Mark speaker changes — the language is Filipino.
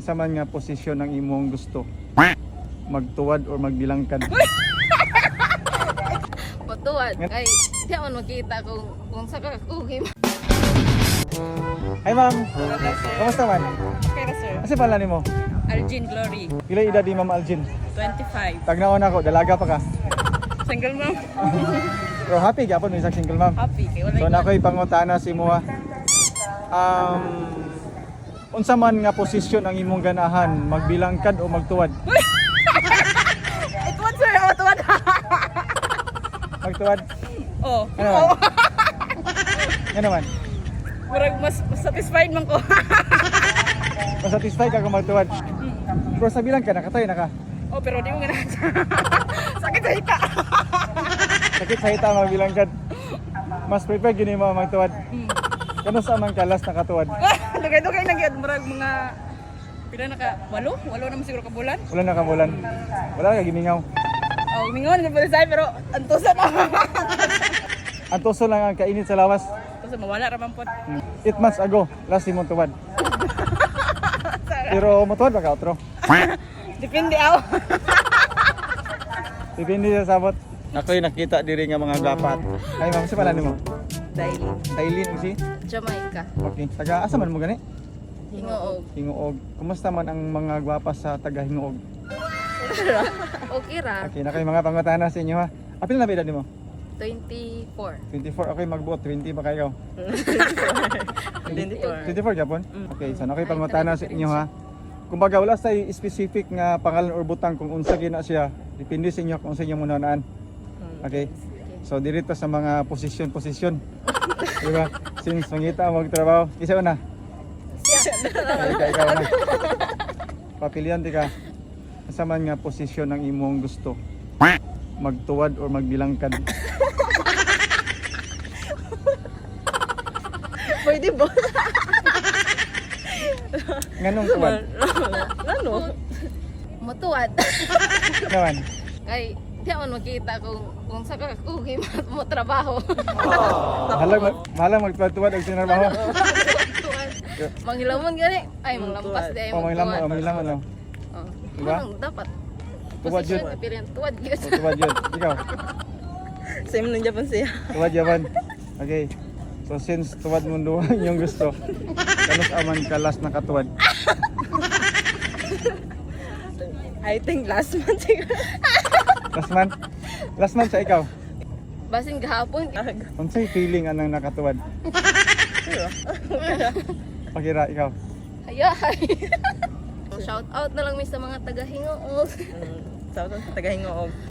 Speaker 1: Sa man nga posisyon ang imong gusto? Magtuwad or magbilangkad?
Speaker 2: Patuwad. Kay di man makita kung sa kakugim.
Speaker 1: Ay ma'am, kamusta man?
Speaker 3: Okay na sir.
Speaker 1: Kasi pala nimo?
Speaker 3: Arjin Glory,
Speaker 1: Pila edad ni Ma'am Aljin?
Speaker 3: 25.
Speaker 1: Tagnaon ako, dalaga pa ka.
Speaker 3: Single mom.
Speaker 1: Pero happy gyapon mo isang single ma'am.
Speaker 3: Happy. Kay wala
Speaker 1: So nakoy pangutana si mo unsa man nga posisyon ang imong ganahan, magbilangkad o magtuwad?
Speaker 3: Tuwad sir, tuwad.
Speaker 1: Magtuwad?
Speaker 3: Oh.
Speaker 1: Ano man? Ano man?
Speaker 3: Murag mas satisfied man ko.
Speaker 1: Masatisfied ka kung magtuwad? Pero sa bilang ka, nakatay na ka.
Speaker 3: Oh, pero di mo ganahan. Sakit sa hita.
Speaker 1: Sakit sa hita magbilangkad. Mas prefer gini mo magtuwad. Kano sa man ka last nakatuwad?
Speaker 3: Dugay-dugay na gyud murag mga pila na ka? Walo naman siguro ka bulan.
Speaker 1: Wala na kamulan. Wala na ka gimingaw.
Speaker 3: Oh, mingon gyud sa pero antusa na.
Speaker 1: Ang tuso lang ang kainit sa lawas.
Speaker 3: Antusa mawala ra man pod.
Speaker 1: 8 months ago, last imong tuwad. Pero mutuwad ba ka outro?
Speaker 3: Depende aw.
Speaker 1: Depende sa sabot. Ako'y nakita diri nga mga gapat. Ay ma'am, si pala nimo?
Speaker 3: Daily.
Speaker 1: Tailin si?
Speaker 2: Jamaica.
Speaker 1: Okay. Taga asa man mo gani?
Speaker 2: Hingoog.
Speaker 1: Hinguog. Kumusta man ang mga gwapa sa taga Hinguog?
Speaker 2: Okay ra.
Speaker 1: Okay, na kayo mga pangutana sa inyo ha. Apil na ba edad nimo?
Speaker 2: 24.
Speaker 1: 24. Okay, magbuot 20 ba kayo?
Speaker 3: 24.
Speaker 1: 24 Japon? Okay, so na kayo pangutana sa inyo ha. Kumbaga wala sa specific nga pangalan or butang kung unsa gina siya. Depende sa inyo kung sa inyo muna naan. Okay. So dirito sa mga posisyon. Diba? Since mangita mo magtrabaho, isa na. Ikaw na. Papilian di ka. Sa man nga posisyon ang imong gusto? Magtuwad or magbilangkad?
Speaker 3: Pwede ba?
Speaker 1: Nganong tuwad?
Speaker 3: Ano?
Speaker 2: Matuwad.
Speaker 1: Naman.
Speaker 2: Kay di man makita kung sa kakugim mo trabaho.
Speaker 1: Mahalang magtuwad og sinarbaho.
Speaker 2: Tuwad. Manghilamon gani. Ay manglampas di ay
Speaker 1: Pamanghilamon ano?
Speaker 2: Oh.
Speaker 1: Diba?
Speaker 2: Anong dapat?
Speaker 1: Tuwad yun.
Speaker 2: Posisyon pilihan tuwad yun.
Speaker 1: O, tuwad yun. Ikaw?
Speaker 3: Same nang Japan siya.
Speaker 1: Tuwad yaman. Okay. So since tuwad mo doon yung gusto, kanos aman ka last nakatuwad?
Speaker 3: I think last month siguro.
Speaker 1: Last month? Last month sa ikaw?
Speaker 2: Basin gahapon.
Speaker 1: Unsay feeling anang nakatuwad? Pakira ikaw.
Speaker 2: Hayay. Shout out na lang mi sa mga taga Hingoog.
Speaker 3: Sa tagahingoog.